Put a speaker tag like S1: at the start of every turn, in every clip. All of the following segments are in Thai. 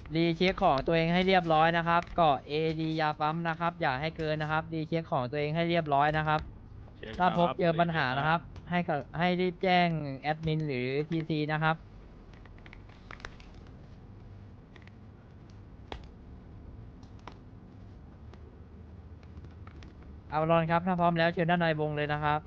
S1: รีเช็คของตัวเองให้เรียบร้อยนะครับเกาะ AD ยาปั๊มนะครับอย่าให้เกินนะครับรีเช็คของตัวเองให้เรียบร้อยนะครับถ้าพบเจอปัญหานะครับให้รีบแจ้งแอดมินหรือ TC นะครับเอารอนครับถ้าพร้อมแล้วเชิญด้านในวงเลยนะครับ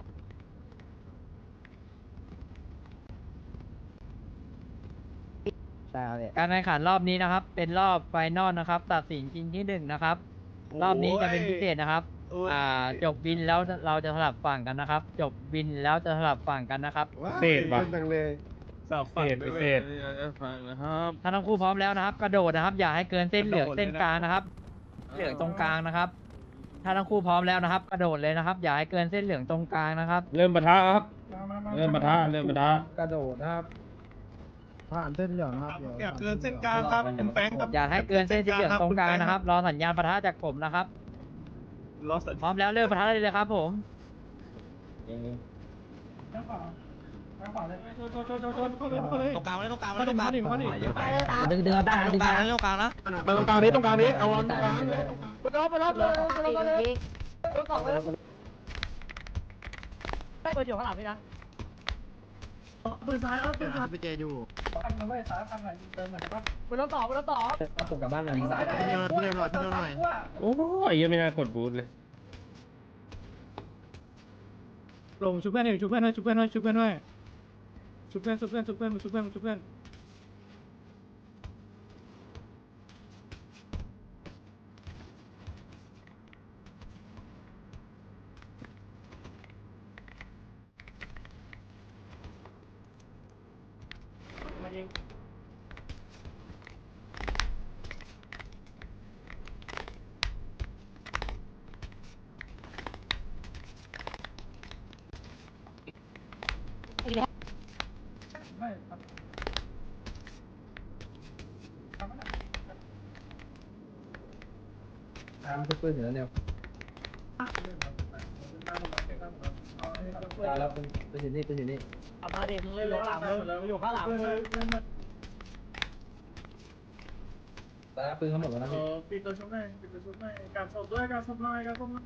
S1: การแข่งขันรอบนี้นะครับเป็นรอบไฟนอลนะครับตัดสินชิงที่หนึ่งนะครับรอบนี้จะเป็นพิเศษนะครับจบวินแล้วเราจะสลับฝั่งกันนะครับจบวินแล้วจะสลับฝั่งกันนะครับ
S2: เศษว่ะ
S3: สับฝั่ง
S2: เศษ
S3: ฟังนะครับ
S1: ถ้าทั้งคู่พร้อมแล้วนะครับ กระโดดนะครับ อย่าให้เกินเส้นเหลืองเส้นกลางนะครับเหลืองตรงกลางนะครับ ถ้าทั้งคู่พร้อมแล้วนะครับ กระโดดเลยนะครับ อย่าให้เกินเส้นเหลืองตรงกลางนะครับ
S2: เริ่มปะทะครับเริ่มปะทะ
S4: กระโดดนะครับ ผ่านเส้นเหลืองครับ
S3: อย่าเกินเส้นกลางครับคุณแป้งครับ
S1: อย่าให้เกินเส้นสีเหลืองตรงกลางนะครับ รอสัญญาณปะทะจากผมนะครับ
S3: รอสัญ
S1: พร้อมแล้วเริ่มปะทะเลยครับผม
S3: ตรงกลางเลยตรงกลางเลยตรงกลาง
S1: ดึงเอาได้นะดึงเอา
S3: ตรงกลางนะ
S4: มาตรงกลางนี้ตรงกลางนี้เอาตรงกลาง
S3: ไปเจอยู่
S1: ผมกลับบ้านเลย
S3: พี่เร็วหน่อยพี่เร็วหน่อย
S2: โอ้ยยังไม่น่ากดบูทเลย
S4: ลงชุบเพื่อนหน่อยชุบเพื่อนหน่อยชุบเพื่อนหน่อยชุบเพื่อนหน่อยชุบเพื่อนชุบเพื่อนชุบเพื่อนชุบเพื่อนชุบเพื่อนมันจะปืนอยู่แล้วเนี่ยแล้วเป็นอยู่นี่เป็นอยู่นี่เอามาเด็กเลยอยู่ข้างหลังเลยอยู่ข้างหลังเลยตาปืนเขาหมดแล้วนะพี่
S3: ปิดตัวชุบหน่อยปิดตัวชุบหน่อยการสอบด้วยการสอบหน่อยการสอบหน่อย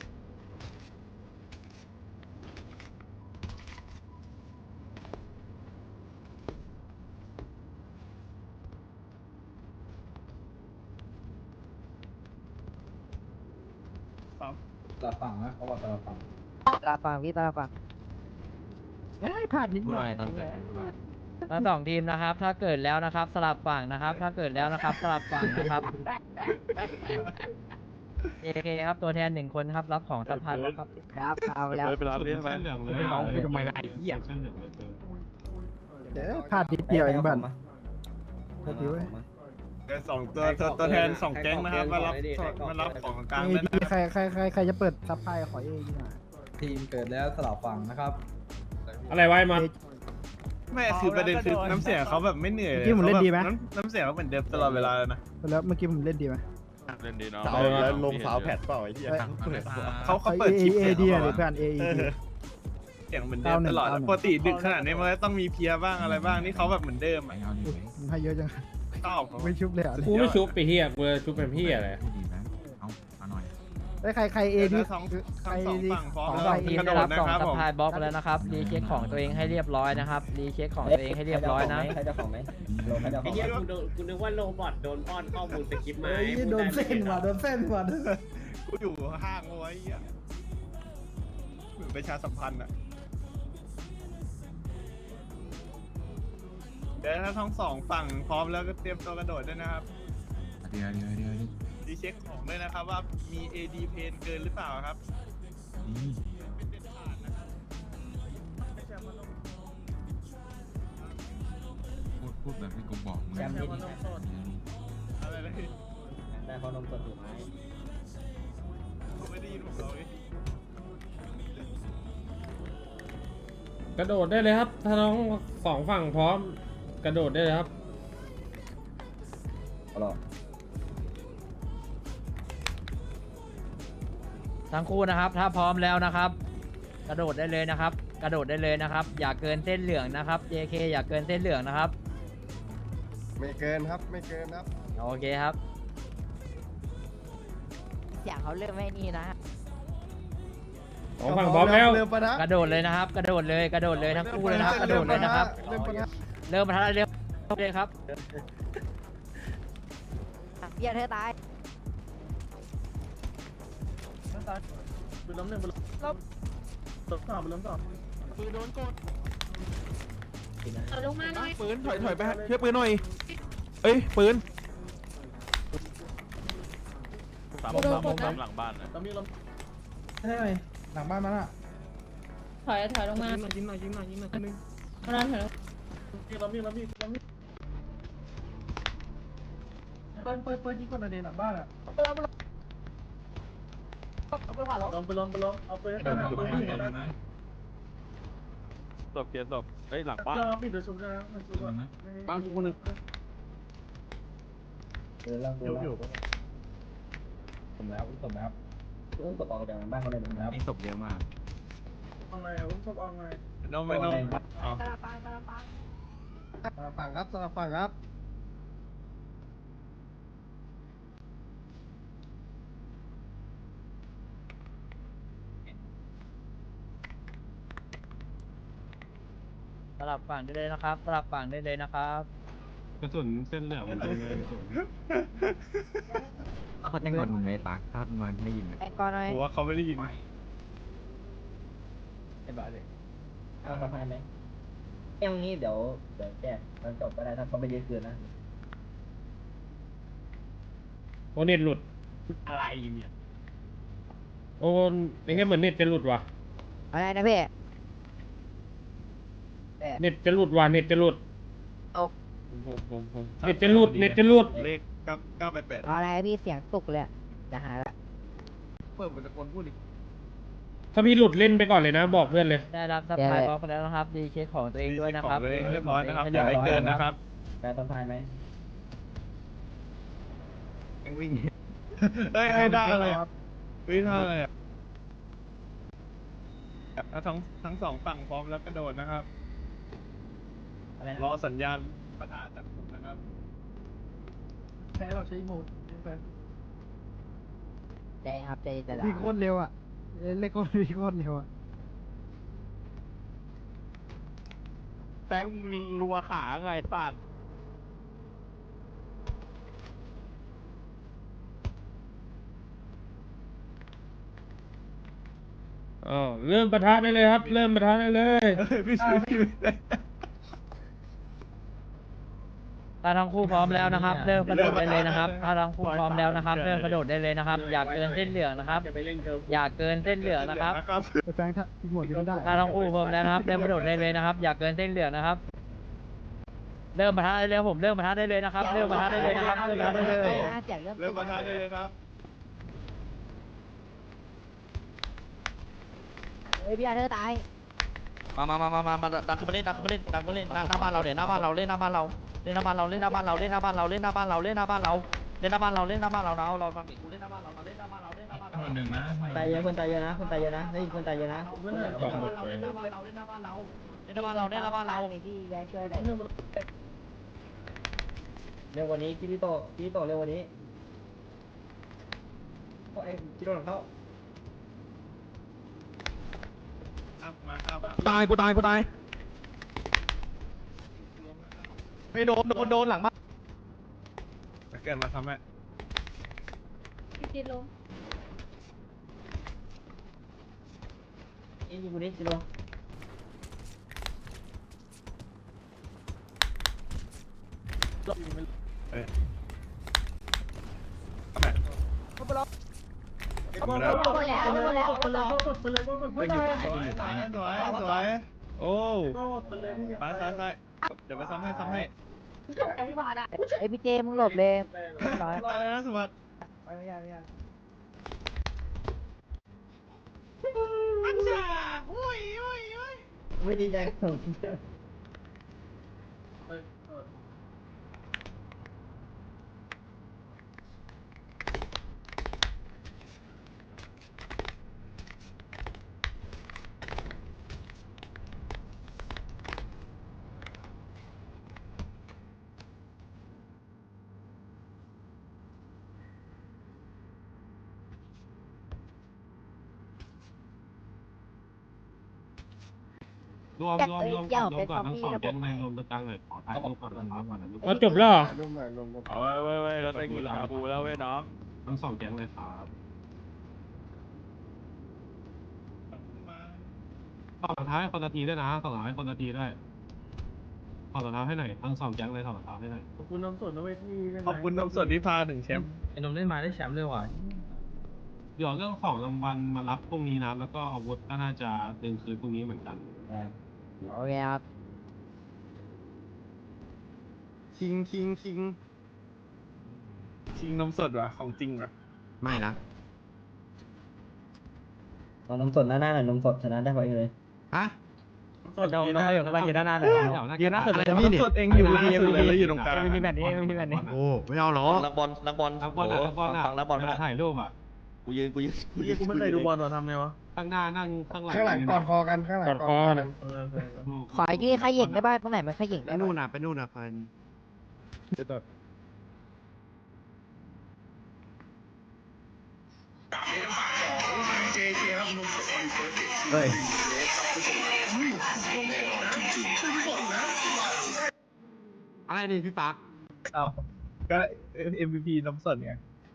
S4: ตาฝั่งนะเขาบอกตาฝั่ง
S1: ตาฟังพี่ตาฟัง
S4: พลาดนิดหน่อย
S1: ทั้งสองทีมนะครับ ถ้าเกิดแล้วนะครับ สลับฝั่งนะครับ ถ้าเกิดแล้วนะครับ สลับฝั่งนะครับ JK ครับตัวแทนหนึ่งคนครับรับของสัมพันธ์แล้วครับครับเอาแล้ว
S3: ไปร้านเลี้ยงไป
S4: เอาทำไมล่ะไอ้เหี้ยพลาดนิดเดียวเองบ้านพอดีเว้ย
S3: สองตัวแทนสองแก๊งนะครับมารับของกลาง
S4: เอ
S3: ด้วย
S4: ดี
S3: นะ
S4: ใครจะเปิดซับไพขอเอดีหน่อย
S5: ทีมเกิดแล้วสลับฝั่งนะครับ
S2: อะไรไว้มา
S3: ไม่คือประเด็นคือน้ำเสียงเขาแบบไม่เหนื่อยเลยน้ำเสียงเขาเหมือนเดิมตลอดเวลาเลยนะ
S4: แล้วเมื่อกี้ผมเล่นดีไหม
S3: เล่นดีเนาะ
S6: แล้วลงสาวแพดเปล่าไอ้เหี้ย
S3: เขาเปิดชิป
S4: เอ
S3: เสียง
S4: ดี
S3: เขา
S4: หรือเพื่อนเอดี
S3: เสียงเหมือนเดิมตลอดปกติดึกขนาดนี้มันก็ต้องมีเพียบ้างอะไรบ้างนี่เขาแบบเหมือนเดิมอ่ะ
S4: มันให้เยอะจัง
S3: ชอบ
S4: ไม่ชุบเลยอ่ะ
S2: กูไม่ชุบไปเฮียกูชุบเป็นพี่อะไร
S4: ได้ใครเอดี
S3: ทั้ง
S4: ใคร
S3: สอง
S4: ดี
S3: ฝั่งพร้อม
S1: ทั้ง
S3: แล้ว
S1: สองทีม
S3: กระโด
S1: ได้
S3: ด
S1: รับ
S3: นะ
S1: กล่อง
S3: ครับ
S1: สั
S3: ผม
S1: พพลายบล็อกแล้วนะครับรีเช็คของตัวเองให้เรียบร้อยนะครับรีเช็คของตัวเองให้เรียบร้อยนะ
S5: ใครจะของไหมโลใครจะข
S7: ไอ้
S5: อง
S7: เหี้ยกูนึกว่าโรบอทโดนป้อนข้อมูลสคริปต์มา
S5: โดนเส้นว่ะโดนเส้นว่ะ
S3: กูอยู่ห้างเอาไว้อ่ะเหมือนประชาสัมพันธ์อ่ะเดี๋ยวถ้าทั้งสองฝั่งพร้อมแล้วก็เตรียมตัวกระโดดด้วยนะครับดีเช็คของด้วยนะครับว่ามี AD เพนเกินหรือเปล่าครับเป็นเด็ดขาดนะครับไม่ใช่ว่าต้อง
S8: พูดแบบที่กูบอกมึง
S3: ไม่ใช่ว่าต้องโทษอะไรนะ
S5: ได้เขานมสดอยู่ไหม
S3: ผมไม่ได้ยินผมเลย
S2: กระโดดได้เลยครับ ถ้าน้องสองฝั่งพร้อมกระโดดได้เลยครับ
S5: เอาหรอ
S1: ทั้งคู่นะครับ ถ้าพร้อมแล้วนะครับ กระโดดได้เลยนะครับ กระโดดได้เลยนะครับ อย่าเกินเส้นเหลืองนะครับ JK อย่าเกินเส้นเหลืองนะครับ
S6: ไม่เกินครับไม่เกินครับ
S1: โอเคครับ
S9: เสียงเขาเริ่มไม่นี่นะ
S2: สองฝั่งพร้อมแล้ว
S6: เริ่มปะนะ
S1: กระโดดเลยนะครับ กระโดดเลยกระโดดเลยทั้งคู่เลยนะครับกระโดดเลยนะครับ
S6: เริ่มปะนะ
S1: เริ่มมาทันเริ่มเลยครับ
S9: เบียร์เธอตาย
S4: ปืนล้มหนึ่งปืนล้มสองปืนล้มสอง
S9: ลงมาหน่อย
S3: ปืนถอยไปช่วยปืนหน่อยเอ้ยปืน
S4: ล้มหลังบ้านนะล้มมีล้ม
S5: ใช่ไหมหลังบ้านมันอ่ะ
S9: ถอยลงมา
S4: ยิงหน่อยคนนึง
S9: มานั่นถอยลง
S4: ล้มมีเปิดยิงคนในหลังบ้านอ่ะล้มเอาปืน
S3: ศพเกียร์ศพเฮ้ยหลังบ้าน
S4: เราปิดโดยชุบนะมันชุบอ่ะ
S3: บ้านคนนึง
S5: เดินล่างอยู่สมแล้วตบออกจากหลังบ้านเขาเลยแล้ว
S8: นี่ศพเยอะมาก
S4: เอาไงอ่ะชุบเอาไง
S3: น้องไม่น้อง
S9: ตาปาง
S6: สลับฝั่งครับสลับฝั่งครับ
S1: สลับฝั่งได้เลยนะครับสลับฝั่งได้เลยนะครับ
S2: กระสุนเส้นเหลืองมันเป็นไง
S8: เขาจะงอนไหมปากถ้ามันไม่ยิน
S9: ไอ้ก่อนหน่อย
S3: ผมว่าเขาไม่ได้ยิน
S1: ไอ้บ้าเลย
S5: เอาสะพานไหมเอ้ยงี้เดี๋ยวแก้มันจบก็ได้ถ้าเขาไม่ยืดคืนนะ
S2: โอเน็ตหลุด
S3: อะไรเนี่ย
S2: โอ้เป็นแค่เหมือนเน็ตจะหลุดว่ะ
S9: อะไรนะพี่
S2: เน็ตจะหลุดว่ะเน็ตจะหลุด
S3: ผม
S2: เน็ตจะหลุดเน็ตจะหลุด
S3: เลข988
S9: อะไรพี่เสียงตุกเลยจะหายละ
S3: เปิดมันตะโกนพูดดิ
S2: ถ้าพี่หลุดเล่นไปก่อนเลยนะ บอกเพื่อนเลย
S1: ได้รับสปายบล็อกไปแล้วนะครับดีเช็คของตัวเองด้วยนะครับ
S3: เรียบร้อยนะครับอย่าให้เกินนะครับ
S5: แปลสะพานไหม
S3: วิ่งเฮ้ยได้อะไรครับวิ่งท่าอะไรอ่ะแล้วทั้งสองฝั่งพร้อมแล้วกระโดดนะครับ
S1: อะไรนะ
S3: รอสัญญาณประทะจากผมนะครับ
S4: แพ้เราใช้โหมด
S9: ใจครับใจจะ
S4: วิ่งโคตรเร็วอ่ะเล็กคนวิ่งโคตรเร็วอ่ะ
S3: แตงรัวขาไงสัตว์
S2: อ๋อเริ่มปะทะได้เลยครับ เริ่มปะทะได้เลย
S3: พี่ช่วยพี่
S1: ถ้าทั้งคู่พร้อมแล้วนะครับ เริ่มกระโดดได้เลยนะครับถ้าทั้งคู่พร้อมแล้วนะครับ เริ่มกระโดดได้เลยนะครับ อยากเกินเส้นเหลืองนะครับ
S7: จะไปเล่นเกิร์ล
S1: อยากเกินเส้นเหลืองนะครับ
S4: ไปแฟงถ้ายิงหัวยิงไม่ได้
S1: ถ้าทั้งคู่พร้อมแล้วนะครับ เริ่มกระโดดได้เลยนะครับ อยากเกินเส้นเหลืองนะครับ เริ่มปะทะได้เลยครับผมเริ่มปะทะได้เลยนะครับ เริ่มปะทะได้เลยนะครับเริ่มปะทะได้เลย
S9: เสียงเริ่ม
S3: เริ่มประทะได้เลยครับ
S9: เฮ้ยเบียร์เธอตาย
S1: มาดันขึ้นมาเล่นหน้าบ้านเราเดี๋ยวหน้าบ้านเราเล่นหน้าบ้านเราเล่นหน้าบ้านเราเล่นหน้าบ้านเราเล่นหน้าบ้านเราเล่นหน้าบ้านเราเล่นหน้าบ้านเราเล่นหน้าบ้านเราเล่นหน้าบ้านเราเราฟังดิกูเล่นหน้าบ้านเราเล่นหน้าบ้านเราเล่นหน้าบ้านเรา
S8: คนหนึ่งนะ
S5: ตายเยอะคนตายเยอะนะคนตายเยอะนะได้ยินคนตายเยอะนะ
S1: เล่นหน้าบ้านเราเล่นหน้าบ้านเราเล่นหน้าบ้านเราเล่นหน้าบ้านเราเล่นหน้าบ้านเรา
S9: พี่แบงค์ช่วยหน่อย
S5: เร็วกว่านี้คิริโตเร็วกว่านี้โอ้ยคิริโตหลังเข้า
S3: ตายกูตายไม่โดนหลังบ้านเกิดมาทำไม
S9: ติดลง
S5: ยิงกูนี่คิริโต
S9: หมดแล้วหมดแล้ว
S3: สวยโอ้ไปซ้ายเดี๋ยวไปซ้ำให้
S9: ไอพี่เจมึงหลบเลยร้อย
S3: รอเลยนะสวัสดี
S4: ไม่ยาก
S5: ไม่ดีใจ
S9: รวมก่อนทั้งสองแก๊งเลย
S2: เราจบแล้วเหรอ
S6: รวมหน่อยรวม
S3: เอาไว้เราได้กินชาบูแล้วเว้ยน้อง
S5: ทั้ง2 แก๊งเลยครับต่อรองเท้าให้คนละทีด้วยนะต่อรองเท้าให้คนละทีด้วยต่อรองเท้าให้หน่อยทั้ง2 แก๊งเลยต่อรองเท้าให้หน่อย
S4: ขอบคุณน้ำสดนะเว้ยที่เล่น
S3: ขอบคุณน้ำสดที่พาถึงแชมป์
S1: ไอ้นมเล่นมาได้แชมป์เลยว่ะ
S5: เดี๋ยวเรื่องของรางวัลมารับพรุ่งนี้นะแล้วก็อาวุธก็น่าจะดึงคืนพรุ่งนี้เหมือนกัน
S1: โอเคครับ
S6: คิง
S3: ชิงนมสดว่ะของจริงว่ะ
S8: ไม่นะ
S1: นมสดหน้าหน่อยนมสดชนะได้ไปเลย
S8: ฮะ
S4: สดน้องอยู่ข้างล่างยืนด้านหน้าเลยยืนหน้าสุดเลย
S3: นมสดเองอยู่ล่าสุดเลยแล้วอยู่ตรงกลาง
S4: มีแบบนี้มีแบบนี้
S8: โอ้ ไม่เอาหรอก
S5: นักบอลนักบอลถ่ายรูปอ่ะ
S3: กูไม่เคยดูบอลหรอทำไงวะ
S5: ข้างหน้านั่งข้างหลัง
S6: ข้างหลังกอดคอกันข้างหลัง
S2: กอดคอนะ
S9: ขอที่ขยิงได้ป่ะตรงไหนมันขยิง
S8: ไป
S9: ได้
S8: นู่นน่ะไปนู่นน่ะพัน
S1: เฮ้ย
S8: อะไรนี่พี่ปัก
S3: อ้าวก็ MVP นมสดไง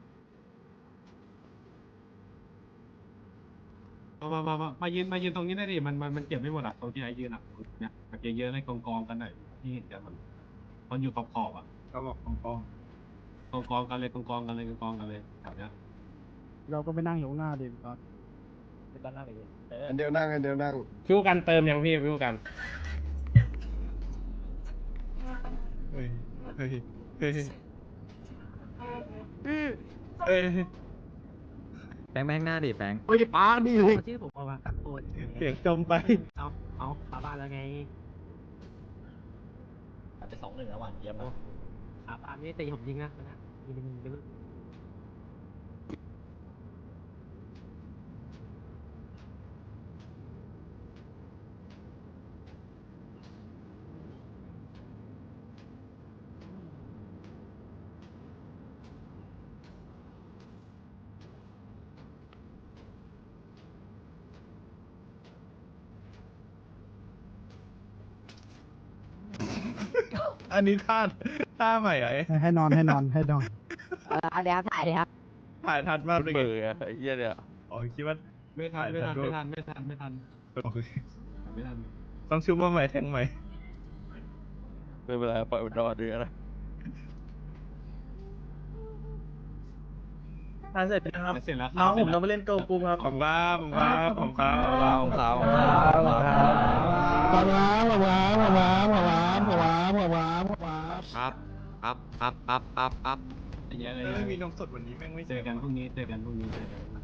S5: มายืนตรงนี้ได้ดิมันเก็บไม่หมดอ่ะตรงที่ไอ้ยืนอ่ะเนี่ยมาเก็บเยอะให้กองกันหน่อยที่เดี๋ยวมันอยู่ขอบอ่ะ
S3: ก็บอกกอง
S5: กองกันเลยแบบเนี้ย
S4: เราก็ไปนั่งอยู่ข้างหน้าดิก่อน
S6: อันเดียวนั่ง
S2: ฟิวกันเติมยังพี่ฟิวกัน
S3: เฮ้ยเฮ้ยเฮ้ยเฮ้ย
S8: แปงหน้าดิแปง
S6: เฮ้ยป้าดิ
S4: ชื่อผมเอามาโอ้ย
S3: เสียงจมไป
S4: เอาขาบ้านแล้วไง
S7: ไป2-1แล้ววันเยี่ยมนะ
S4: ขาบ้านไม่ตีผมยิงนะยิงไปเลย
S3: อันนี้ท่าใหม่เหรอ
S4: ให้นอน
S9: เดี๋ยวถ่ายเลยครับ
S3: ถ่ายทันมากเลยเบื่อไอ้เหี้ยเนี่ยอ๋อคิดว่า
S5: ไม่ทัน
S3: โอเค ต้องชุบมาใหม่แทงใหม่ไม่เป็นไรปล่อยมันรอดดีนะทานเสร็จนะครับ
S5: เสร็จแล้ว
S3: น้องผมต้องไปเล่นโกกูครับผมครับผมครับผมครับผมครับผมครับ
S8: ครับ
S5: เยอะเลย
S3: ไม่มีนมสดวันนี้แม่งไม่
S5: เจอกันพรุ่งนี้